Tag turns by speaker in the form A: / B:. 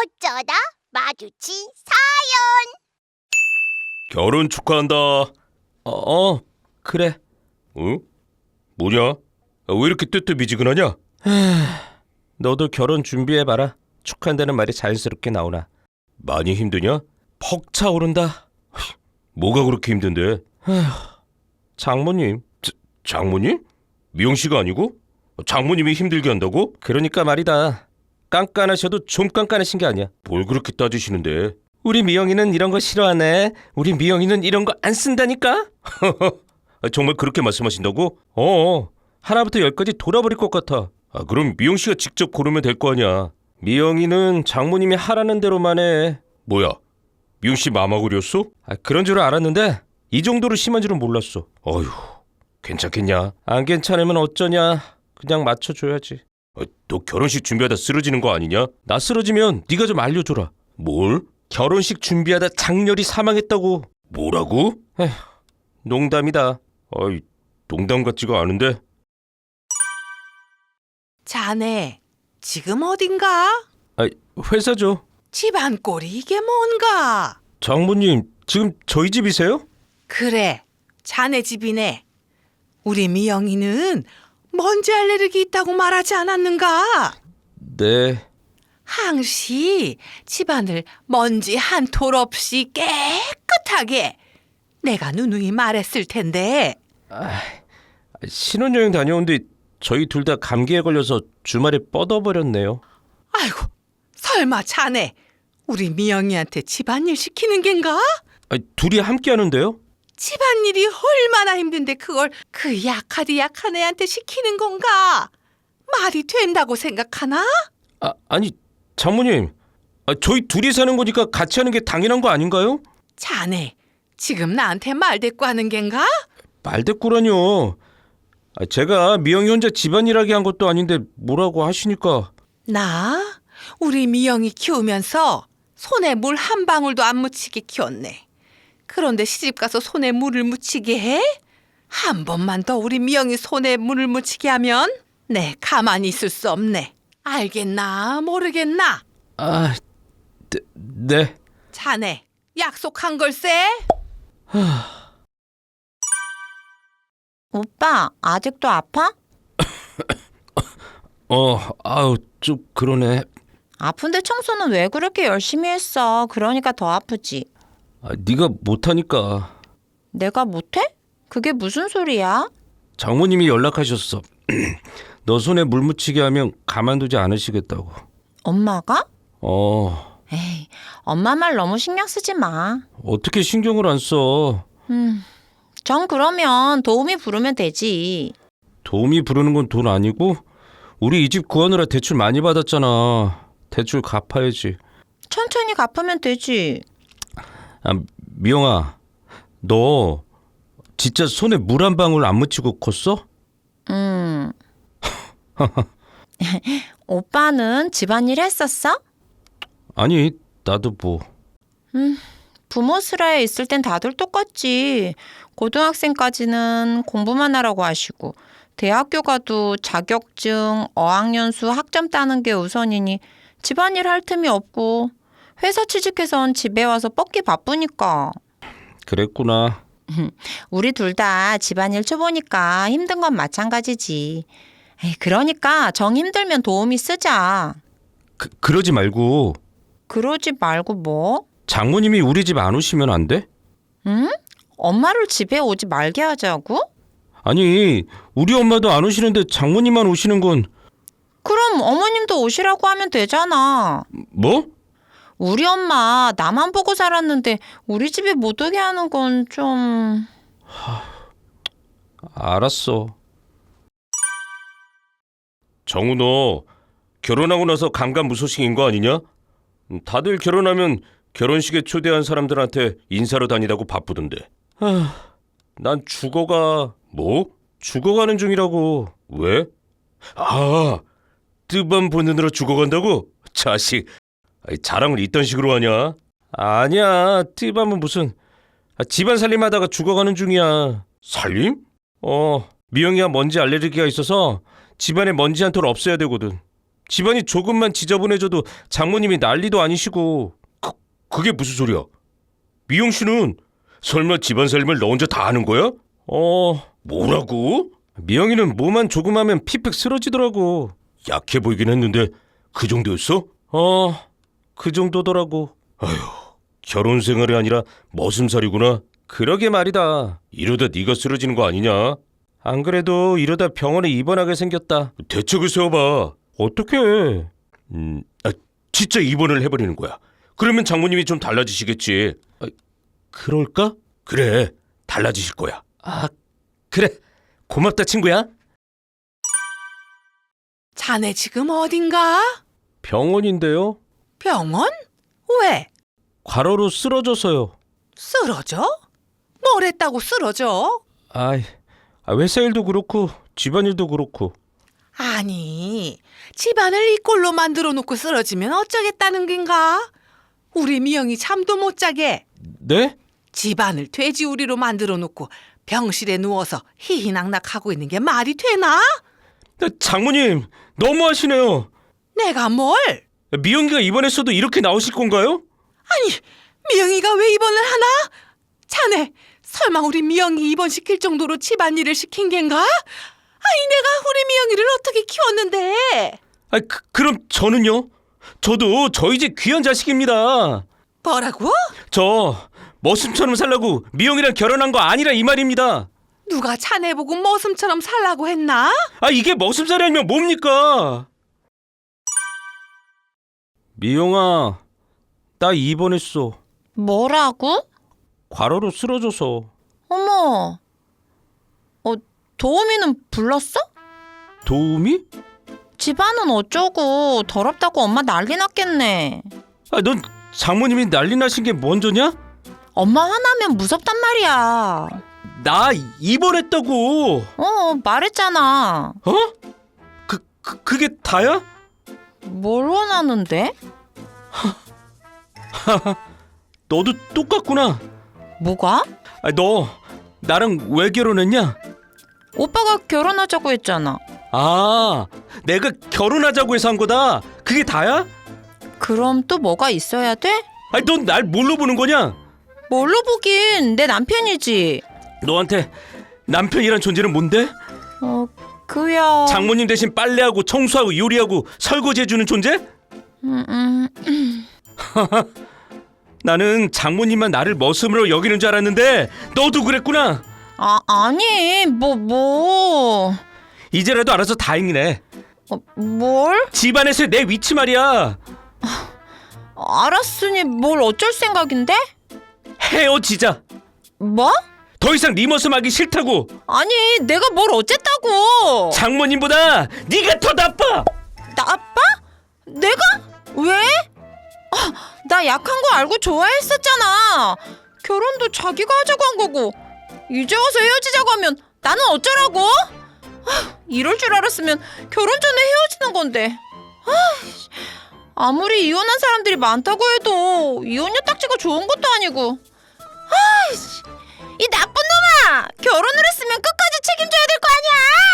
A: 어쩌다 마주친
B: 결혼 축하한다.
C: 그래.
B: 응? 뭐냐? 왜 이렇게 뜨뜻미지근하냐?
C: 너도 결혼 준비해봐라. 축하한다는 말이 자연스럽게 나오나.
B: 많이 힘드냐?
C: 퍽 차오른다.
B: 뭐가 그렇게 힘든데?
C: 장모님.
B: 장모님? 미영씨가 아니고? 장모님이 힘들게 한다고?
C: 그러니까 말이다. 깐깐하셔도 좀 깐깐하신 게 아니야.
B: 뭘 그렇게 따지시는데?
C: 우리 미영이는 이런 거 싫어하네. 우리 미영이는 이런 거 안 쓴다니까?
B: 정말 그렇게 말씀하신다고?
C: 하나부터 열까지 돌아버릴 것 같아.
B: 그럼 미영씨가 직접 고르면 될 거 아니야.
C: 미영이는 장모님이 하라는 대로만 해.
B: 뭐야? 미영씨 마마구리였어?
C: 그런 줄 알았는데 이 정도로 심한 줄은 몰랐어.
B: 어휴, 괜찮겠냐?
C: 안 괜찮으면 어쩌냐. 그냥 맞춰줘야지.
B: 너 결혼식 준비하다 쓰러지는 거 아니냐?
C: 나 쓰러지면 네가 좀 알려줘라.
B: 뭘?
C: 결혼식 준비하다 장렬히 사망했다고.
B: 뭐라고?
C: 농담이다.
B: 농담 같지가 않은데?
D: 자네, 지금 어딘가?
C: 회사죠.
D: 집안 꼴이 이게 뭔가?
C: 장모님, 지금 저희 집이세요?
D: 그래, 자네 집이네. 우리 미영이는 먼지 알레르기 있다고 말하지 않았는가?
C: 네.
D: 항시 집안을 먼지 한 톨 없이 깨끗하게 내가 누누이 말했을 텐데.
C: 신혼여행 다녀온 뒤 저희 둘 다 감기에 걸려서 주말에 뻗어버렸네요.
D: 아이고, 설마 자네 우리 미영이한테 집안일 시키는 겐가?
C: 둘이 함께 하는데요?
D: 집안일이 얼마나 힘든데 그걸 그 약하디 약한 애한테 시키는 건가? 말이 된다고 생각하나?
C: 아니, 장모님. 저희 둘이 사는 거니까 같이 하는 게 당연한 거 아닌가요?
D: 자네, 지금 나한테 말대꾸 하는 겐가?
C: 말대꾸라뇨. 제가 미영이 혼자 집안일하게 한 것도 아닌데 뭐라고 하시니까.
D: 나? 우리 미영이 키우면서 손에 물 한 방울도 안 묻히게 키웠네. 그런데 시집가서 손에 물을 묻히게 해? 한 번만 더 우리 미영이 손에 물을 묻히게 하면 네, 가만히 있을 수 없네. 알겠나 모르겠나?
C: 네.
D: 자네, 약속한 걸세?
A: 오빠, 아직도 아파?
C: 좀 그러네.
A: 아픈데 청소는 왜 그렇게 열심히 했어? 그러니까 더 아프지.
C: 네가 못하니까.
A: 내가 못해? 그게 무슨 소리야?
C: 장모님이 연락하셨어. 너 손에 물 묻히게 하면 가만두지 않으시겠다고.
A: 엄마가?
C: 에이,
A: 엄마 말 너무 신경 쓰지 마.
C: 어떻게 신경을 안 써?
A: 전 그러면 도우미 부르면 되지.
C: 도우미 부르는 건 돈 아니고? 우리 이 집 구하느라 대출 많이 받았잖아. 대출 갚아야지.
A: 천천히 갚으면 되지.
C: 미영아, 너 진짜 손에 물 한 방울 안 묻히고 컸어?
A: 오빠는 집안일 했었어?
C: 아니, 나도 뭐.
A: 부모 슬하에 있을 땐 다들 똑같지. 고등학생까지는 공부만 하라고 하시고 대학교 가도 자격증, 어학연수, 학점 따는 게 우선이니 집안일 할 틈이 없고 회사 취직해선 집에 와서 뻗기 바쁘니까.
C: 그랬구나.
A: 우리 둘 다 집안일 초보니까 힘든 건 마찬가지지. 그러니까 정 힘들면 도우미 쓰자.
C: 그러지 말고.
A: 그러지 말고 뭐?
C: 장모님이 우리 집 안 오시면 안 돼?
A: 응? 엄마를 집에 오지 말게 하자고?
C: 아니, 우리 엄마도 안 오시는데 장모님만 오시는 건.
A: 그럼 어머님도 오시라고 하면 되잖아.
C: 뭐?
A: 우리 엄마 나만 보고 살았는데 우리 집에 못 오게 하는 건 좀...
C: 알았어.
B: 정우, 너 결혼하고 나서 감감무소식인 거 아니냐? 다들 결혼하면 결혼식에 초대한 사람들한테 인사로 다니다고 바쁘던데.
C: 난 죽어가.
B: 뭐?
C: 죽어가는 중이라고.
B: 왜? 뜨밤 보느라 죽어간다고? 자식, 자랑을 이딴 식으로 하냐?
C: 아니야, 띠밤은 무슨. 집안 살림하다가 죽어가는 중이야.
B: 살림?
C: 미영이가 먼지 알레르기가 있어서 집안에 먼지 한 톨 없애야 되거든. 집안이 조금만 지저분해져도 장모님이 난리도 아니시고.
B: 그게 무슨 소리야? 미영 씨는 설마 집안 살림을 너 혼자 다 하는 거야? 뭐라고?
C: 미영이는 뭐만 조금 하면 피픽 쓰러지더라고.
B: 약해 보이긴 했는데 그 정도였어?
C: 그 정도더라고.
B: 결혼 생활이 아니라 머슴살이구나.
C: 그러게 말이다.
B: 이러다 네가 쓰러지는 거 아니냐?
C: 안 그래도 이러다 병원에 입원하게 생겼다.
B: 대책을 세워봐.
C: 어떻게?
B: 진짜 입원을 해버리는 거야. 그러면 장모님이 좀 달라지시겠지.
C: 그럴까?
B: 그래, 달라지실 거야.
C: 그래. 고맙다 친구야.
D: 자네 지금 어딘가?
C: 병원인데요.
D: 병원? 왜?
C: 과로로 쓰러져서요.
D: 쓰러져? 뭘 했다고 쓰러져?
C: 회사 일도 그렇고 집안일도 그렇고.
D: 아니, 집안을 이 꼴로 만들어 놓고 쓰러지면 어쩌겠다는 겐가? 우리 미영이 잠도 못 자게.
C: 네?
D: 집안을 돼지우리로 만들어 놓고 병실에 누워서 희희낙낙하고 있는 게 말이 되나?
C: 장모님 너무하시네요.
D: 내가 뭘?
C: 미영이가 입원했어도 이렇게 나오실 건가요?
D: 아니, 미영이가 왜 입원을 하나? 자네, 설마 우리 미영이 입원시킬 정도로 집안일을 시킨 겐가? 아니, 내가 우리 미영이를 어떻게 키웠는데?
C: 그럼 저는요? 저도 저희 집 귀한 자식입니다.
D: 뭐라고?
C: 저 머슴처럼 살라고 미영이랑 결혼한 거 아니라 이 말입니다.
D: 누가 자네 보고 머슴처럼 살라고 했나?
C: 이게 머슴살이 아니면 뭡니까? 미영아, 나 입원했어.
A: 뭐라고?
C: 과로로 쓰러져서.
A: 어머. 도우미는 불렀어?
C: 도우미?
A: 집안은 어쩌고 더럽다고 엄마 난리 났겠네.
C: 넌 장모님이 난리 나신 게 먼저냐?
A: 엄마 화나면 무섭단 말이야.
C: 나 입원했다고.
A: 말했잖아.
C: 그게 다야?
A: 뭘 원하는데?
C: 너도 똑같구나.
A: 뭐가?
C: 너 나랑 왜 결혼했냐?
A: 오빠가 결혼하자고 했잖아.
C: 내가 결혼하자고 해서 한 거다. 그게 다야?
A: 그럼 또 뭐가 있어야 돼?
C: 넌 날 뭘로 보는 거냐?
A: 뭘로 보긴 내 남편이지.
C: 너한테 남편이란 존재는 뭔데?
A: 그야.
C: 장모님 대신 빨래하고 청소하고 요리하고 설거지해주는 존재? 나는 장모님만 나를 머슴으로 여기는 줄 알았는데 너도 그랬구나.
A: 아니 뭐
C: 이제라도 알아서 다행이네.
A: 뭘?
C: 집안에서의 내 위치 말이야.
A: 알았으니 뭘 어쩔 생각인데?
C: 헤어지자.
A: 뭐?
C: 더 이상 네 모습 하기 싫다고.
A: 아니 내가 뭘 어쨌다고.
C: 장모님보다 네가 더 나빠.
A: 나빠? 내가? 왜? 나 약한 거 알고 좋아했었잖아. 결혼도 자기가 하자고 한 거고 이제 와서 헤어지자고 하면 나는 어쩌라고? 이럴 줄 알았으면 결혼 전에 헤어지는 건데. 아무리 이혼한 사람들이 많다고 해도 이혼녀 딱지가 좋은 것도 아니고. 이 나쁜 놈아! 결혼을 했으면 끝까지 책임져야 될 거 아니야!